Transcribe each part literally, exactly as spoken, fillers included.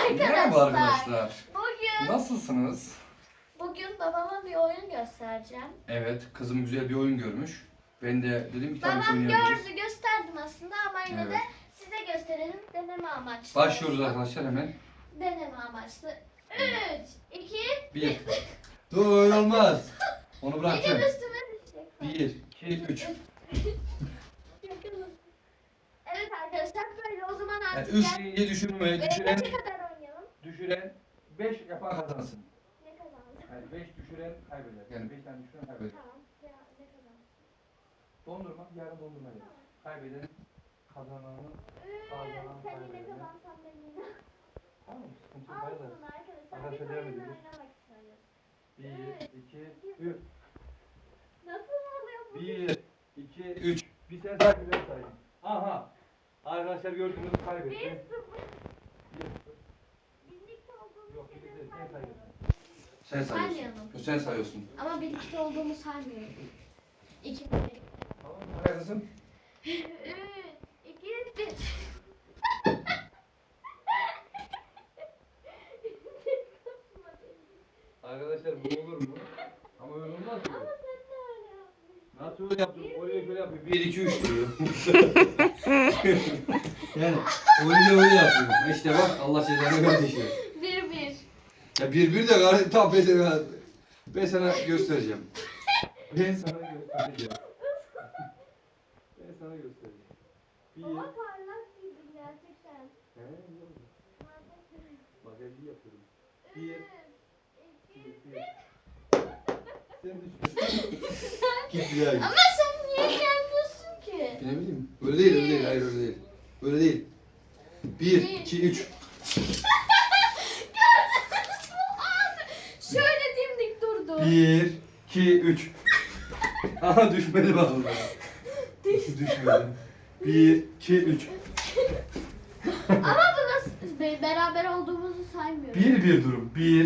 Merhaba arkadaşlar. Bugün Nasılsınız? bugün babama bir oyun göstereceğim. Evet, kızım güzel bir oyun görmüş. Ben de dedim ki tabii ki Babam oynayabiliriz. gördü, gösterdim aslında ama yine de Evet. size gösterelim. Deneme amaçlı. Başlıyoruz arkadaşlar hemen. Deneme amaçlı. üç, iki, Bir. Dur öyle olmaz. Onu bir bırakacağım. de üstüme düşecek. Bir, iki, üç. Evet arkadaşlar böyle o zaman Yani artık üç gel- deyince düşürme, Ve düşüren, kaça kadar oynayalım? düşüren beş yapan kazansın. Ne kazandı? Yani beş düşüren kaybeder. Yani beş tane düşüren kaybeder. Tamam. Ya ne kazandı? Dondurma, yarın dondurma yer. Kaybeden kazananı, kazanan Sen yine kaybeder. kazansan ben yine. Tamam, sıkıntı yok. Hayır Olsun arkadaşlar. Arkadaşlar Biz devam oyun ediyoruz. oynamak istiyoruz. Bir, iki, üç. Nasıl oluyor bu? Bir, iki, üç. Bir sen takip et sayın. Aha. Arkadaşlar gördünüz Bir kaybetti. sıfır. Bir, sıfır. Birlikte olduğumuz Yok, şeyleri birlikte sen saymıyorum. Sen sayıyorsun. Saymayalım. Yok, sen sayıyorsun. Ama birlikte olduğumu saymıyorum. İki, bir. Tamam mı? Haklısın. Üç, iki, bir. Arkadaşlar bu olur mu? Ama öyle olmaz ki. Ama sen de öyle yapmışsın. Nasıl öyle yaptım? Oraya şöyle yapıyor. Bir, iki, üç diyor. Yani öyle öyle yapıyor. İşte bak Allah cezanı verdi. Bir, bir. Ya bir bir de gayet tam ben sana, ben sana göstereceğim. Ben sana göstereceğim. Ben sana göstereceğim. Bir. Baba parlak gibi gerçekten. He, ne oldu? Bak elli yapıyorum. Bir. Üç, iki, Bir. Sen düşün. Git bir daha git. ama sen niye gelmiyorsun ki? Ne bileyim. Öyle değil, öyle değil. Hayır öyle değil. Öyle değil. Bir, iki, üç. Şöyle dimdik durdu. Bir, iki, üç. Aha düşmedi bak orada. Düşmedi. Bir, iki, üç. Ama bu nasıl? Be- Beraber olduğumuzu saymıyorum. Bir bir durum. Bir.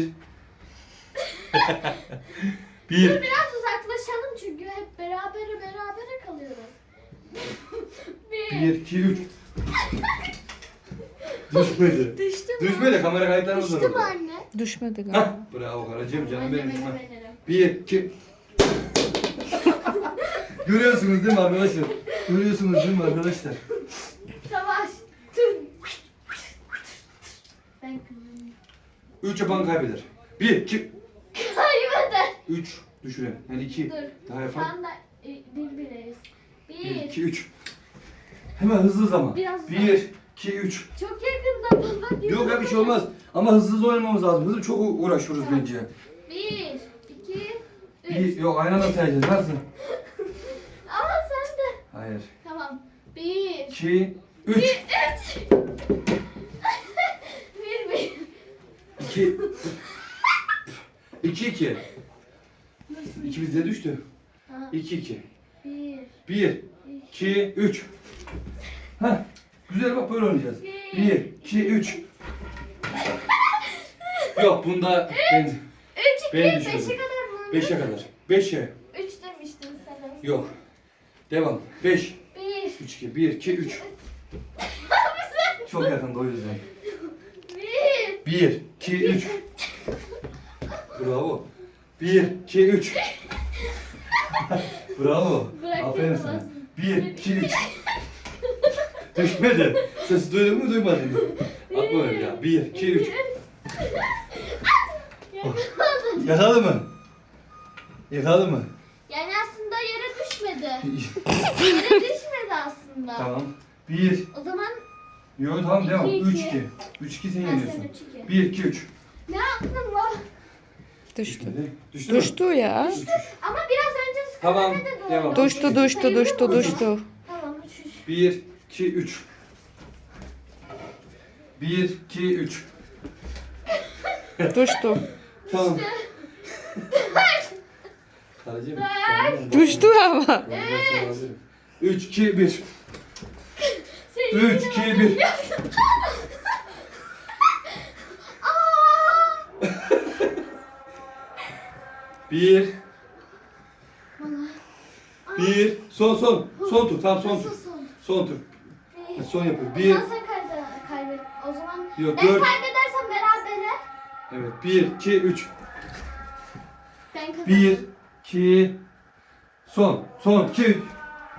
Dur Bir. biraz uzaklaşalım çünkü hep berabere berabere kalıyoruz. bir. Bir, iki, üç. Düşmedi. Düştü mü? Düşmedi. Kamera kayıtlarına Düştü uzanır. mü anne? Düşmedi Hah. galiba. Bravo karıcığım canım Anneme benim. Ha. güvenirim. Bir, iki. Görüyorsunuz değil mi arkadaşlar? Görüyorsunuz değil mi arkadaşlar? Savaş. Tüm. Ben kızım. Üç yapan kaybeder. Bir, iki, Kaybeder. üç düşüren. Yani iki. Dur. Daha Şu yapan. anda e, bir bireyiz. Bir, Bir. iki, üç. Hemen hızlı zaman. Biraz Bir, iki, üç. Çok yakında baba diyor. Yok ya bir şey olmaz. Ama hızlı hızlı oynamamız lazım. Hızlı çok uğraşıyoruz Tamam. bence. Bir, iki, üç. Bir, yok aynı anda sayacağız. Nasıl? Ama sen de. Hayır. Tamam. Bir. İki, üç. Üç. bir, bir. İki. İki, iki. İki bizde düştü. Tamam. İki, iki. Bir, Bir, iki, üç. Heh. Güzel bak böyle oynayacağız. Bir, iki, üç. Yok bunda ben üç, iki, Ben beşe düşürdüm. kadar mı? beşe kadar. Beşe. Üç demiştin sen. Yok. Devam. Beş. Bir. Üç, iki. Bir, iki, üç. Çok yakında o yüzden. Bir. Bir, iki, üç. Bravo. Bir, iki, üç. Bravo. Bırak Aferin yapamazsın. sana. Bir, iki, üç. Düşmedi. Sesi duydun mu duymadın mı? Atma öyle ya. Bir, iki, üç. Yakaladın. Yakaladı mı? Yakaladı mı? Yani aslında yere düşmedi. Yere düşmedi aslında. Tamam. Bir. O zaman Yok tamam devam. İki, Üç, iki. iki. Üç, iki sen ben yeniyorsun. sen üç, iki. Bir, iki, üç. Ne yaptın lan? Düştü. Düştü mü? Düştü ya. Üç, üç. Ama biraz önce Tamam, sıkıntı da devam. doğru. Düştü düştü Sayılır düştü mı? düştü. Tamam üç, üç. Bir, iki, üç. Bir, iki, üç. Düştü. Tamam. Karıcığım. Düştü ama. Üç, iki, bir. Senin Üç, yine iki, bana bir. biliyorsun. Aa! Bir. Bana. Bir. Son son. Son tur. Tamam son Nasıl tur. son? Son tur. Bir. Son yapıyor. O Bir. zaman sen kaybe- kaybet. O zaman Yok, ben dört. kaybedersem Evet. Bir, iki, üç. Ben kazandım. Bir, iki, son. Son, iki, üç.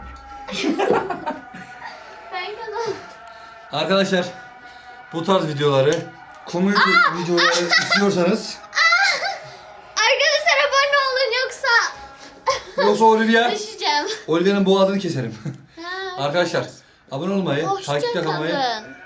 Ben kazandım. Arkadaşlar bu tarz videoları, komedi videoları istiyorsanız Arkadaşlar abone olun yoksa yoksa Olivia, düşeceğim. Olivia'nın boğazını keserim. Ha. Arkadaşlar abone olmayı, Hoşça takipte kalmayı kalın.